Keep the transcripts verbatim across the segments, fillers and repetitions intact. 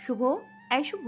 শুভ, এই শুভ,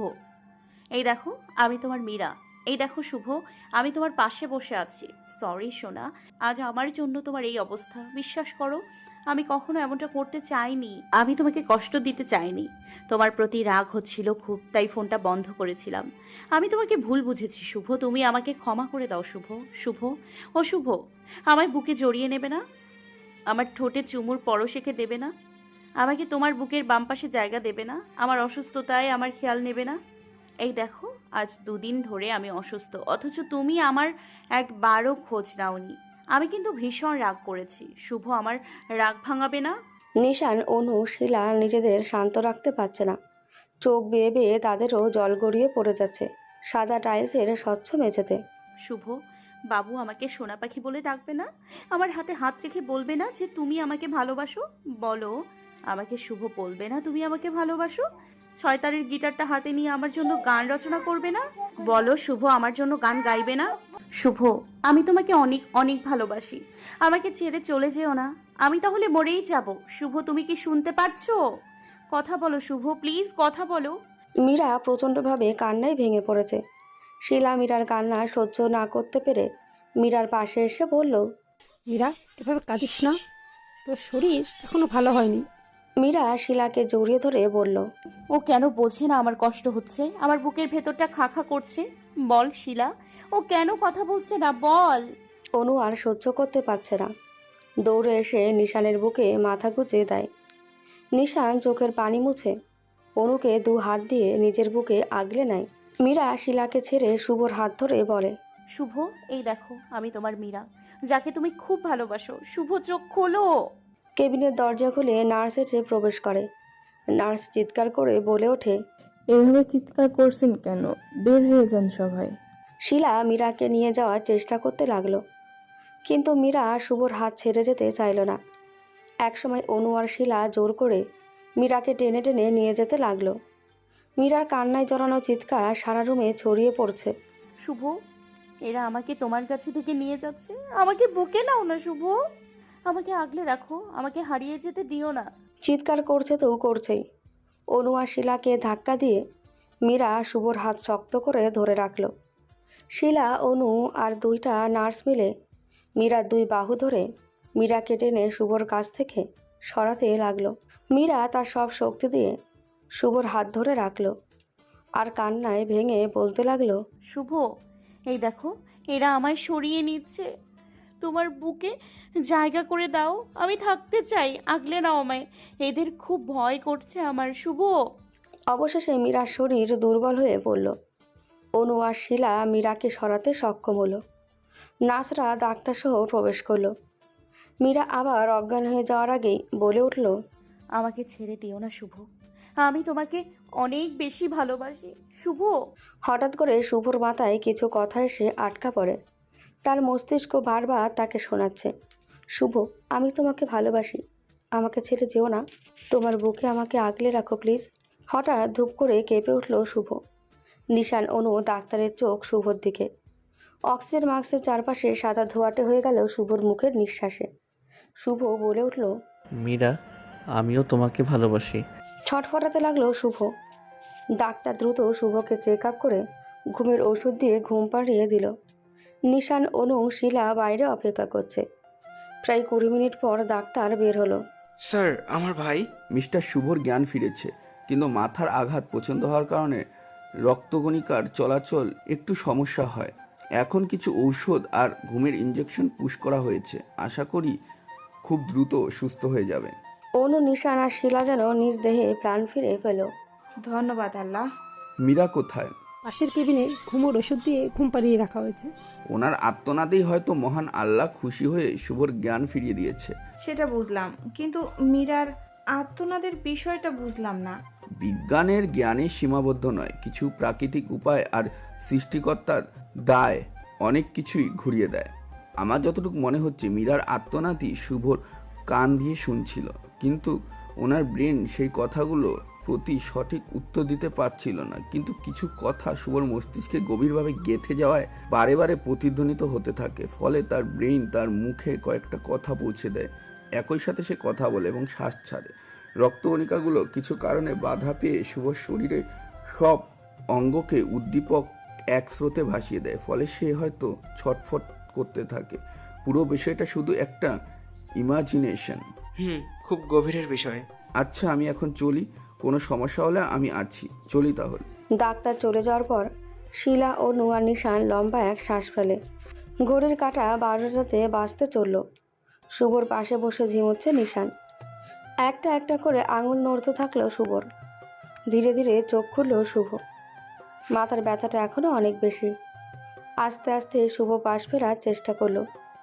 এই দেখো আমি তোমার মীরা। এই দেখো শুভ, আমি তোমার পাশে বসে আছি। সরি সোনা, আজ আমার জন্য তোমার এই অবস্থা। বিশ্বাস করো, আমি কখনো এমনটা করতে চাইনি। আমি তোমাকে কষ্ট দিতে চাইনি। তোমার প্রতি রাগ হচ্ছিল খুব, তাই ফোনটা বন্ধ করেছিলাম। আমি তোমাকে ভুল বুঝেছি শুভ, তুমি আমাকে ক্ষমা করে দাও শুভ। শুভ, ও শুভ, আমায় বুকে জড়িয়ে নেবে না? আমার ঠোঁটে চুমুর পরশেখে দেবে না? আমাকে তোমার বুকের বাম পাশে জায়গা দেবে না? আমার অসুস্থতায় আমার খেয়াল নেবে না? এই দেখো, আজ দুদিন ধরে আমি অসুস্থ, অথচ তুমি আমার একবারও খোঁজ নাওনি। আমি কিন্তু ভীষণ রাগ করেছি শুভ, আমার রাগ ভাঙাবে না? নিশান, অনু, শিলা নিজেদের শান্ত রাখতে পারছে না। চোখ বেয়ে বেয়ে তাদেরও জল গড়িয়ে পড়ে যাচ্ছে সাদা টাইলসের স্বচ্ছ মেঝেতে। শুভ, বাবু আমাকে সোনা পাখি বলে ডাকবে না? আমার হাতে হাত রেখে বলবে না যে তুমি আমাকে ভালোবাসো? বলো, আমাকে শুভ বলবে না তুমি আমাকে ভালোবাসো? ছয়তারের গিটারটা হাতে নিয়ে আমার জন্য গান রচনা করবে না? বলো শুভ, আমার জন্য গান গাইবে না? শুভ, আমি তোমাকে অনেক অনেক ভালোবাসি। আমাকে ছেড়ে চলে যেও না, আমি তাহলে মরেই যাব। শুভ, তুমি কি শুনতে পারছো? কথা বলো শুভ, প্লিজ কথা বলো। মীরা প্রচণ্ডভাবে কান্নায় ভেঙে পড়েছে। শিলা মীরার কান্না সহ্য না করতে পেরে মীরার পাশে এসে বলল। মীরা, এভাবে কাঁদিস না, তোর শরীর এখনো ভালো হয়নি। মীরা শিলাকে জড়িয়ে ধরে বলল। ও কেন বোঝে না আমার কষ্ট হচ্ছে? আমার বুকের ভেতরটা খা খা করছে। বল শিলা, ও কেন কথা বলছে না? বল। অনু আর সহ্য করতে পারছে না, দৌড়ে এসে নিশানের বুকে মাথা গুঁজে দেয়। নিশান চোখের পানি মুছে অনুকে দু হাত দিয়ে নিজের বুকে আগলে নেয়। মীরা শিলাকে ছেড়ে শুভর হাত ধরে বলে। শুভ, এই দেখো আমি তোমার মীরা, যাকে তুমি খুব ভালোবাসো। শুভ, চোখ খোলো। কেবিনের দরজা খুলে নার্স এসে প্রবেশ করে। নার্স চিৎকার করে বলে ওঠে। এভাবে চিৎকার করছেন কেন? বের হয়ে যান সবাই। শিলা মীরাকে নিয়ে যাওয়ার চেষ্টা করতে লাগলো, কিন্তু মীরা শুভর হাত ছেড়ে যেতে চাইল না। একসময় অনু আর শিলা জোর করে মীরাকে টেনে টেনে নিয়ে যেতে লাগলো। মীরার কান্নায় জড়ানো চিৎকার সারা রুমে ছড়িয়ে পড়ছে। শুভ, এরা আমাকে তোমার কাছে থেকে নিয়ে যাচ্ছে। আমাকে বুকে নাও না শুভ, আমাকে আগলে রাখো, আমাকে হারিয়ে যেতে দিও না। চিৎকার করছে তো করছেই। অনু আর শিলাকে ধাক্কা দিয়ে মীরা শুভর হাত শক্ত করে ধরে রাখল। শিলা, অনু আর দুইটা নার্স মিলে মীরার দুই বাহু ধরে মীরাকে টেনে শুভর কাছ থেকে সরাতে লাগলো। মীরা তার সব শক্তি দিয়ে শুভর হাত ধরে রাখল আর কান্নায় ভেঙে বলতে লাগলো। শুভ, এই দেখো, এরা আমায় সরিয়ে নিচ্ছে। তোমার বুকে জায়গা করে দাও, আমি থাকতে চাই, আগলে নাও আমায়। এদের খুব ভয় করছে আমার। শুভ। অবশেষে মীরার শরীর দুর্বল হয়ে পড়ল। অনু আর শিলা মীরাকে সরাতে সক্ষম হলো। নার্সরা ডাক্তারসহ প্রবেশ করলো। মীরা আবার অজ্ঞান হয়ে যাওয়ার আগেই বলে উঠল। আমাকে ছেড়ে দিও না শুভ, আমি তোমাকে অনেক বেশি ভালোবাসি শুভ। হঠাৎ করে শুভর মাথায় কিছু কথা এসে আটকা পড়ে। তার মস্তিষ্ক বারবার তাকে শোনাচ্ছে, শুভ, আমি তোমাকে ভালোবাসি, আমাকে ছেড়ে যেও না, তোমার বুকে আমাকে আগলে রাখো প্লিজ। হঠাৎ ধূপ করে কেঁপে উঠল শুভ। নিশান, অনু, ডাক্তারের চোখ শুভর দিকে। অক্সিজেন মাস্কের চারপাশে সাদা ধোঁয়াটে হয়ে গেল শুভর মুখের নিঃশ্বাসে। শুভ বলে উঠল। মীরা, আমিও তোমাকে ভালোবাসি। ছটফটাতে লাগলো শুভ। ডাক্তার দ্রুত শুভকে চেক আপ করে ঘুমের ওষুধ দিয়ে ঘুম পাড়িয়ে দিল। নিশান, অনু, শিলা বাইরে অপেক্ষা করছে। প্রায় কুড়ি মিনিট পর ডাক্তার বের হলো। স্যার, আমার ভাই মিস্টার শুভর জ্ঞান ফিরেছে, কিন্তু মাথার আঘাত পছন্দ হওয়ার কারণে রক্তকণিকার চলাচল একটু সমস্যা হয়। এখন কিছু ঔষধ আর ঘুমের ইঞ্জেকশন পুশ করা হয়েছে, আশা করি খুব দ্রুত সুস্থ হয়ে যাবে। অনু, নিশান আর শিলা যেন নিজ দেহে প্রাণ ফিরে পেল। ধন্যবাদ আল্লাহ। মীরা কোথায়? পাশের কেবিনে ঘুমোর ওষুধ দিয়ে ঘুম পাড়িয়ে রাখা হয়েছে। ওনার আত্মনাদেই হয়তো মহান আল্লাহ খুশি হয়ে শুভর জ্ঞান ফিরিয়ে দিয়েছে। সেটা বুঝলাম, কিন্তু মীরার আত্মনাদের বিষয়টা বুঝলাম না। বিজ্ঞানের জ্ঞানে সীমাবদ্ধ নয়, কিছু প্রাকৃতিক উপায় আর সৃষ্টিকর্তার দায় অনেক কিছুই ঘুরিয়ে দেয়। আমার যতটুকু মনে হচ্ছে মীরার আত্মনাতি শুভর কান দিয়ে শুনছিল, কিন্তু ওনার ব্রেন সেই কথাগুলো প্রতি সঠিক উত্তর দিতে পারছিল না। কিন্তু কিছু কথা শুভর মস্তিষ্কে গভীরভাবে গেঁথে যাওয়ায় বারে বারে প্রতিধ্বনিত হতে থাকে, ফলে তার ব্রেন তার মুখে কয়েকটা কথা পৌঁছে দেয়। একই সাথে সে কথা বলে এবং শ্বাস ছাড়ে। রক্তকণিকাগুলো কিছু কারণে বাধা পেয়ে শুভর শরীরে সব অঙ্গকে উদ্দীপক এক স্রোতে ভাসিয়ে দেয়, ফলে সে হয়তো ছটফট করতে থাকে। পুরো বিষয়টা শুধু একটা ইমাজিনেশন। হুম, খুব গভীরের বিষয়। আচ্ছা, আমি এখন চলি, কোনো সমস্যা হলে আমি আছি, চলি তাহলে। ডাক্তার চলে যাওয়ার পর শিলা ও নুয়ার নিশান লম্বা এক শ্বাস ফেলে। ঘড়ির কাঁটা বারোটাতে বাজতে চলল। শুভর পাশে বসে ঝিমোচ্ছে নিশান। একটা একটা করে আঙুল নড়তে থাকলো শুভর। ধীরে ধীরে চোখ খুলল শুভ। মাথার ব্যথাটা এখনও অনেক বেশি। আস্তে আস্তে শুভ পাশ ফেরার চেষ্টা করলো।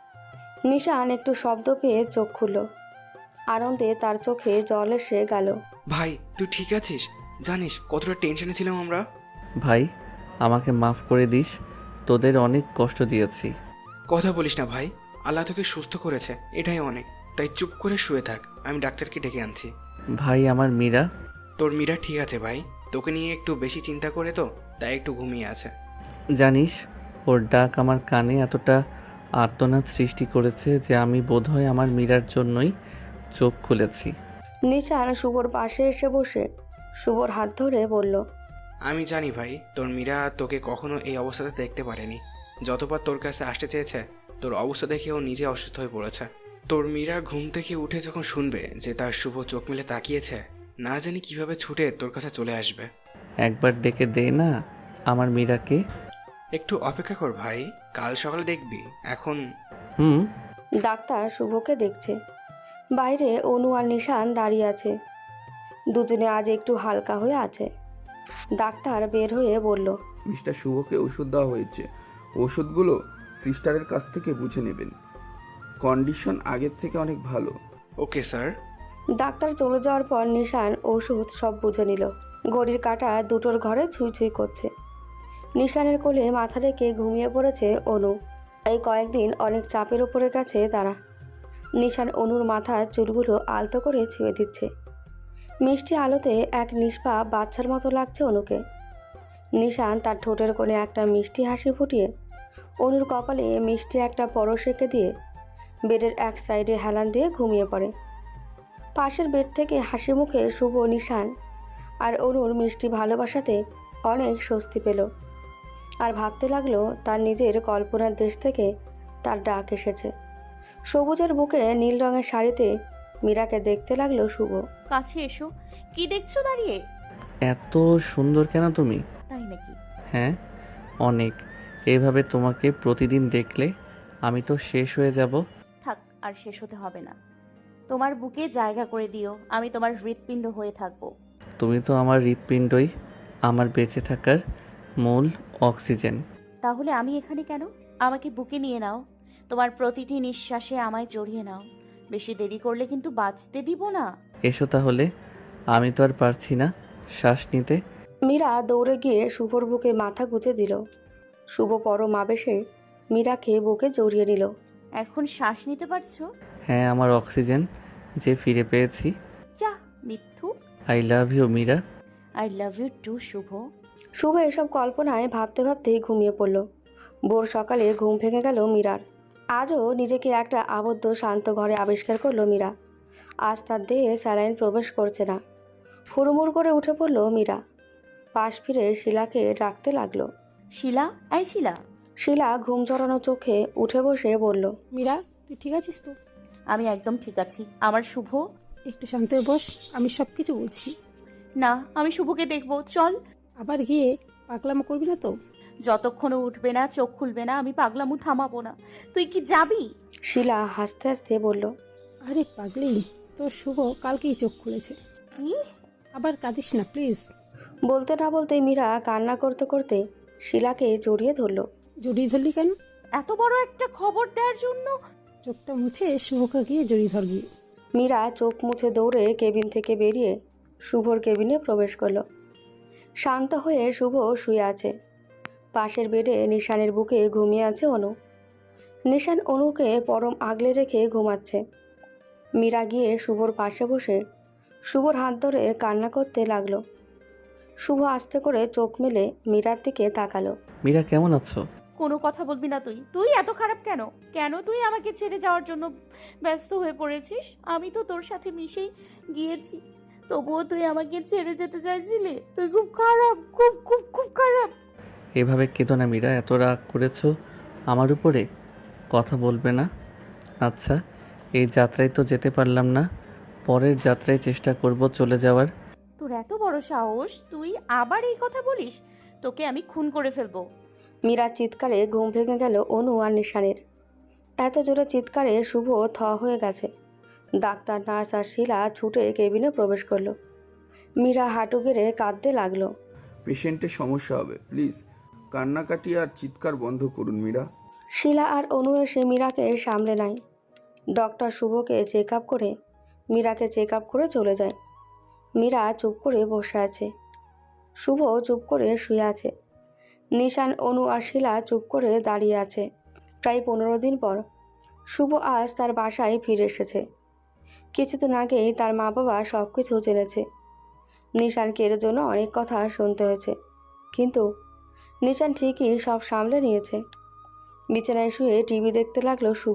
নিশান একটু শব্দ পেয়ে চোখ খুলল। আনন্দে তার চোখে জল এসে গেল। ভাই, তুই ঠিক আছিস? জানিস কতটা টেনশনে ছিলাম আমরা। ভাই, আমাকে মাফ করে দিস, তোদের অনেক কষ্ট দিয়েছি। কথা বলিস না ভাই, আল্লাহ তোকে সুস্থ করেছে, এটাই অনেক। তাই চুপ করে শুয়ে থাক, আমি ডাক্তারকে ডেকে আনছি। ভাই, আমার মীরা। তোর মীরা ঠিক আছে ভাই, তোকে নিয়ে একটু বেশি চিন্তা করে তো, তাই একটু ঘুমিয়ে আছে। জানিস, ওর ডাক আমার কানে এতটা আর্তনাদ সৃষ্টি করেছে যে আমি বোধহয় আমার মীরার জন্যই চোখ খুলেছি। নিশান শুভর পাশে এসে বসে শুভর হাত ধরে বলল, আমি জানি ভাই, তোর মীরা তোকে কখনো এই অবস্থাতে দেখতে পারেনি। যতবার তোর কাছে আসতে চেয়েছে, তোর অবস্থা দেখে ও নিজে অসুস্থ হয়ে পড়েছে। তোর মীরা ঘুম থেকে উঠে যখন শুনবে যে তার শুভ চোখ মেলে তাকিয়েছে, না জানি কিভাবে ছুটে তোর কাছে চলে আসবে। একবার ডেকে দে না আমার মীরাকে। একটু অপেক্ষা কর ভাই, কাল সকালে দেখবি। এখন হুম। ডাক্তার শুভকে দেখছে। বাইরে অনু আর নিশান দাঁড়িয়ে আছে। দুজনে আজ একটু হালকা হয়ে আছে। ডাক্তার বের হয়ে বলল, মিস্টার শুভকে ওষুধ দেওয়া হয়েছে, ওষুধগুলো সিস্টারের কাছ থেকে বুঝে নেবেন। কন্ডিশন আগের থেকে অনেক ভালো। Okay sir. ডাক্তার চলে যাওয়ার পর নিশান ওষুধ সব বুঝে নিল। ঘড়ির কাঁটা দুটোর ঘরে ছুঁই ছুঁই করছে। নিশানের কোলে মাথা রেখে ঘুমিয়ে পড়েছে অনু। এই কয়েকদিন অনেক চাপের উপরে গেছে তারা। নিশান অনুর মাথার চুলগুলো আলতো করে ছুঁয়ে দিচ্ছে। মিষ্টি আলোতে এক নিষ্পাপ বাচ্চার মতো লাগছে অনুকে। নিশান তার ঠোঁটের কোণে একটা মিষ্টি হাসি ফুটিয়ে অনুর কপালে মিষ্টি একটা পরশ এঁকে দিয়ে বেডের এক সাইডে হেলান দিয়ে ঘুমিয়ে পড়ে। পাশের বেড থেকে হাসি মুখে শুভ নিশান আর অনুর মিষ্টি ভালোবাসাতে অনেক স্বস্তি পেল। আর ভাবতে লাগলো তার নিজের কল্পনার দেশ থেকে তার ডাক এসেছে। সবুজের বুকে নীল রঙের শাড়িতে মীরাকে দেখতে লাগলো শুভ। কাছে এসো, কি দেখছো দাঁড়িয়ে? এত সুন্দর কেন তুমি? তাই নাকি? হ্যাঁ, অনেক। এভাবে তোমাকে প্রতিদিন দেখলে আমি তো শেষ হয়ে যাব। থাক, আর শেষ হতে হবে না। তোমার বুকে জায়গা করে দিও, আমি তোমার হৃৎপিণ্ড হয়ে থাকবো। তুমি তো আমার হৃৎপিণ্ডই, আমার বেঁচে থাকার মূল অক্সিজেন। তাহলে আমি এখানে কেন? আমাকে বুকে নিয়ে নাও, তোমার প্রতিটি নিঃশ্বাসে আমায় জড়িয়ে নাও। বেশি দেরি করলে কিন্তু বাঁচতে দিব না। এসো তাহলে, আমি তো আর পারছি না শ্বাস নিতে। মীরা দৌড়ে গিয়ে শুভর বুকে মাথা গুজে দিল। শুভ পরম আবেশে মীরাকে বুকে জড়িয়ে নিল। এখন শ্বাস নিতে পারছো? হ্যাঁ, আমার অক্সিজেন যে ফিরে পেয়েছি। যা মিথ্যু। I love you Meera. I love you too Shubho. Shubho এসব কল্পনায় ভাবতে ভাবতেই ঘুমিয়ে পড়ল। ভোর সকালে ঘুম ভেঙে গেল মীরার। আজও নিজেকে একটা আবদ্ধ শান্ত ঘরে আবিষ্কার করলো মীরা। আজ তার দেহে স্যালাইন প্রবেশ করছে না। হুড়মুড় করে উঠে পড়ল মীরা। পাশ ফিরে শিলাকে ডাকতে লাগলো। শিলা, এই শিলা। শিলা ঘুম জড়ানো চোখে উঠে বসে বলল, মীরা, তুই ঠিক আছিস তো? আমি একদম ঠিক আছি। আমার শুভ। একটু শান্ত হয়ে বস, আমি সব কিছু বলছি। না, আমি শুভকে দেখবো, চল। আবার গিয়ে পাগলামো করবি না তো? যতক্ষণ উঠবে না, চোখ খুলবে না, আমি পাগলামু থামাবো না। তুই কি যাবি? শিলা হাসতে হাসতে বলল, আরে পাগলি, তোর শুভ কালকেই চোখ খুলেছে। কি? আবার কাঁদিস না প্লিজ। বলতে না বলতে মীরা কান্না করতে করতে শিলাকে জড়িয়ে ধরল। জড়িয়ে ধরলি কেন? এত বড় একটা খবর দেওয়ার জন্য? চোখটা মুছে শুভকে গিয়ে জড়িয়ে ধর গিয়ে। মীরা চোখ মুছে দৌড়ে কেবিন থেকে বেরিয়ে শুভর কেবিনে প্রবেশ করলো। শান্ত হয়ে শুভ শুয়ে আছে। পাশের বেডে নিশানের বুকে ঘুমিয়ে আছে অনু। নিশান অনুকে পরম আগলে রেখে ঘুমাচ্ছে। মীরা গিয়ে শুভর পাশে বসে শুভর হাত ধরে কান্না করতে লাগলো। শুভ আস্তে করে চোখ মেলে মীরার দিকে তাকালো। মীরা, কেমন আছো? কোনো কথা বলবি না তুই? তুই এত খারাপ কেন? কেন তুই আমাকে ছেড়ে যাওয়ার জন্য ব্যস্ত হয়ে পড়েছিস? আমি তো তোর সাথে মিশেই গিয়েছি। তবুও তুই আমাকে ছেড়ে যেতে চাইছিলি। তুই খুব খারাপ, খুব খুব খুব খারাপ। এভাবে কেঁদো না মীরা, এত রাগ করেছো আমার উপরে, কথা বলবে না? আচ্ছা, এই যাত্রায় তো যেতে পারলাম না, পরের যাত্রায় চেষ্টা করব চলে যাওয়ার। তোর এত বড় সাহস, তুই আবার এই কথা বলিস? তোকে আমি খুন করে ফেলবো। মীরার চিৎকারে ঘুম ভেঙে গেল অনু আর নিশানের। এত জোরে চিৎকারে শুভ থ হয়ে গেছে। ডাক্তার, নার্স আর শিলা ছুটে কেবিনে প্রবেশ করলো। মীরা হাঁটু গেড়ে কাঁদতে লাগলো। পেশেন্টের সমস্যা হবে, প্লিজ কান্নাকাটি আর চিৎকার বন্ধ করুন মীরা। শিলা আর অনু এসে মীরাকে সামলে নেয়। ডক্টর শুভকে চেক আপ করে মীরাকে চেক আপ করে চলে যায়। মীরা চুপ করে বসে আছে। শুভ চুপ করে শুয়ে আছে। নিশান, অনু আর শিলা চুপ করে দাঁড়িয়ে আছে। প্রায় পনেরো দিন পর শুভ আজ তার বাসায় ফিরে এসেছে। কিছুদিন আগেই তার মা বাবা সব কিছু জেনেছে। নিশানকে এর জন্য অনেক কথা শুনতে হয়েছে, কিন্তু নিশান ঠিকই সব সামলে নিয়েছে। বিছানায় শুয়ে টিভি দেখতে লাগলো শুভ।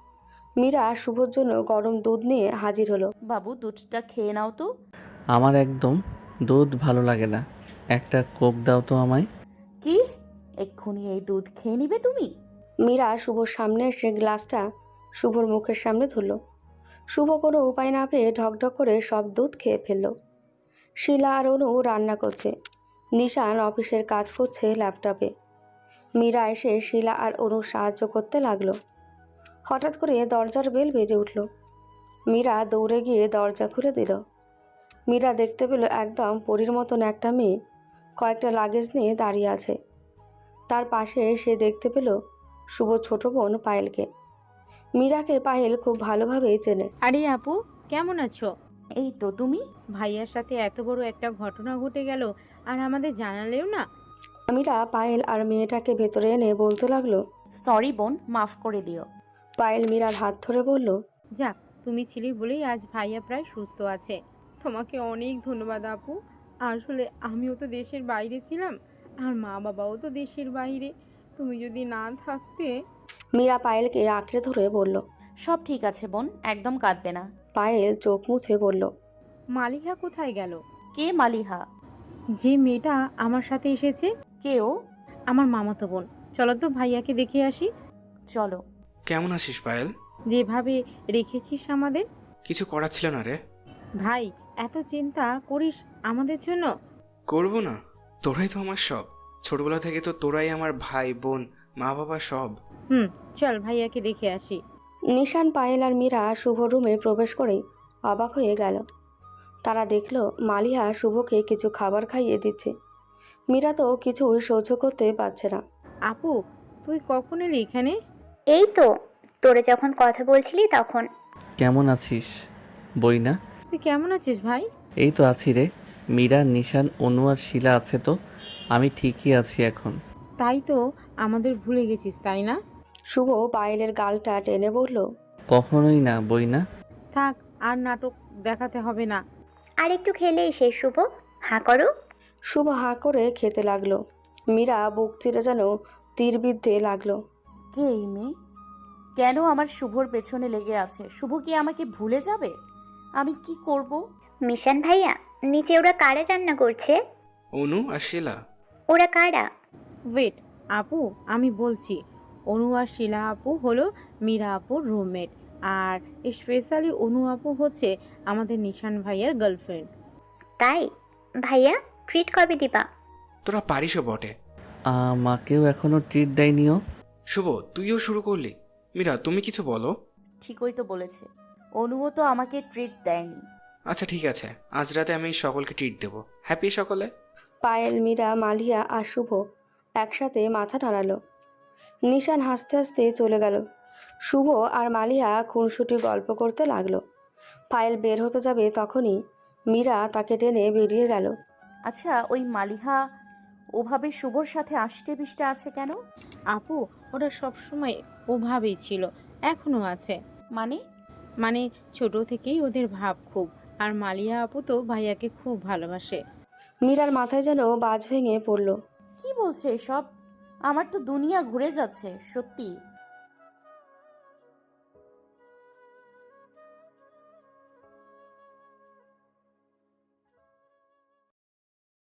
মীরা শুভর জন্য গরম দুধ নিয়ে হাজির হলো। বাবু, দুধটা খেয়ে নাও তো। আমার একদম দুধ ভালো লাগে না, একটা কোক দাও তো আমায়। কি? এক্ষুনি এই দুধ খেয়ে নিবে তুমি? মীরা শুভর সামনে এসে গ্লাসটা শুভর মুখের সামনে ধরল। শুভ কোনো উপায় না পেয়ে ঢকঢক করে সব দুধ খেয়ে ফেলল। শিলা আর অনু রান্না করছে। নিশান অফিসের কাজ করছে ল্যাপটপে। মীরা এসে শিলা আর অনু সাহায্য করতে লাগলো। হঠাৎ করে দরজার বেল বেজে উঠল। মীরা দৌড়ে গিয়ে দরজা খুলে দিল। মীরা দেখতে পেল একদম পরীর মতন একটা মেয়ে কয়েকটা লাগেজ নিয়ে দাঁড়িয়ে আছে। তার পাশে সে দেখতে পেল শুভ ছোট বোন পায়েলকে। মীরাকে পায়েল খুব ভালোভাবেই চেনে। আরে আপু, কেমন আছো? এই তো, তুমি? ভাইয়ার সাথে এত বড় একটা ঘটনা ঘটে গেল আর আমাদের জানালেও না। মীরা পায়েল আর মেয়েটাকে ভেতরে এনে বলতে লাগলো, সরি বোন, মাফ করে দিও। পায়েল মীরার হাত ধরে বলল, যাক, তুমি ছিলে বলেই আজ ভাইয়া প্রায় সুস্থ আছে। তোমাকে অনেক ধন্যবাদ আপু। আসলে আমিও তো দেশের বাইরে ছিলাম, আর মা বাবাও তো দেশের বাইরে। তুমি যদি না থাকতে। মীরা পায়েলকে আঁকড়ে ধরে বলল। সব ঠিক আছে বোন, একদম কাঁদবে না। পায়েল চোখ মুছে বলল, মালিহা কোথায় গেল? কে মালিহা? যে মেয়েটা আমার সাথে এসেছে, কে ও? আমার মামাতো বোন। চলো তো ভাইয়াকে দেখে আসি। চলো। কেমন আছিস পায়েল? যেভাবে রেখেছিস আমাদের। কিছু করার ছিল না রে। ভাই, এত চিন্তা করিস আমাদের জন্য? করবো না? তোরাই তো আমার সব। ছোটবেলা থেকে তো তোরাই আমার ভাই, বোন, মা বাবা সব। হুম, চল ভাইয়াকে দেখে আসি। নিশান, পায়েল আর মীরা শুভ রুমে প্রবেশ করেই অবাক হয়ে গেল। তারা দেখল মালিহা শুভকে কিছু খাবার খাইয়ে দিচ্ছে। মীরা তো কিছুই সহ্য করতে পারছে না। আপু, তুই কখন এলি এখানে? এই তো তোরে যখন কথা বলছিলি তখন। কেমন আছিস বই না? তুই কেমন আছিস ভাই? এই তো আছি রে। মীরা, নিশান, অনু আর শিলা আছে তো? আমি ঠিকই আছি এখন। তাই তো, আমাদের ভুলে গেছিস তাই না? শুভ পায়েলের গালটা টেনে বলল, কখনোই না বই না। থাক, আর নাটক দেখাতে হবে না। আর একটু খেলেই শেষ। শুভ, হাঁ করো। শুভ হাঁ করে খেতে লাগলো। মীরা বুক চিরে যেন তীর বিদ্ধে লাগলো। কে এই মেয়ে? কেন আমার শুভর পেছনে লেগে আছে? শুভ কি আমাকে ভুলে যাবে? আমি কি করব? মিশন ভাইয়া, নিচে ওরা কারা রান্না করছে? অনু আর শিলা। ওরা কারা? ওয়েট আপু, আমি বলছি। অনু আর শিলা আপু হলো মীরা আপুর রুমমেট, আর স্পেশালি অনু আপু হচ্ছে আমাদের নিশান ভাইয়ার গার্লফ্রেন্ড। তাই? ভাইয়া, ট্রিট কবে দিবা? তোরা পারিসও বটে। আমাকেও এখনো ট্রিট দেয়নিও। শুভ, তুইও শুরু করলি? মীরা, তুমি কিছু বলো। ঠিকই তো বলেছে, অনুও তো আমাকে ট্রিট দেয়নি। আচ্ছা ঠিক আছে, আজ রাতে আমি সকলকে ট্রিট দেবো। হ্যাপি সকলে? পায়েল, মীরা, মালিয়া আর শুভ একসাথে মাথা নাড়ালো। নিশান হাসতে হাসতে চলে গেল। শুভ আর মালিয়া খুনসুটি গল্প করতে লাগলো। পায়েল বের হতে যাবে তখনই মীরা তাকে টেনে বেরিয়ে গেল। আচ্ছা, ওই মালিহা ওভাবে শুভর সাথে আষ্টে পিষ্টে আছে কেন? আপু, ওরা সবসময় ওভাবেই ছিল, এখনো আছে। মানে? মানে ছোট থেকেই ওদের ভাব খুব। আর মালিয়া আপু তো ভাইয়াকে খুব ভালোবাসে। মীরার মাথায় যেন বাজ ভেঙে পড়ল। কি বলছে এসব? আমার তো দুনিয়া ঘুরে যাচ্ছে সত্যি।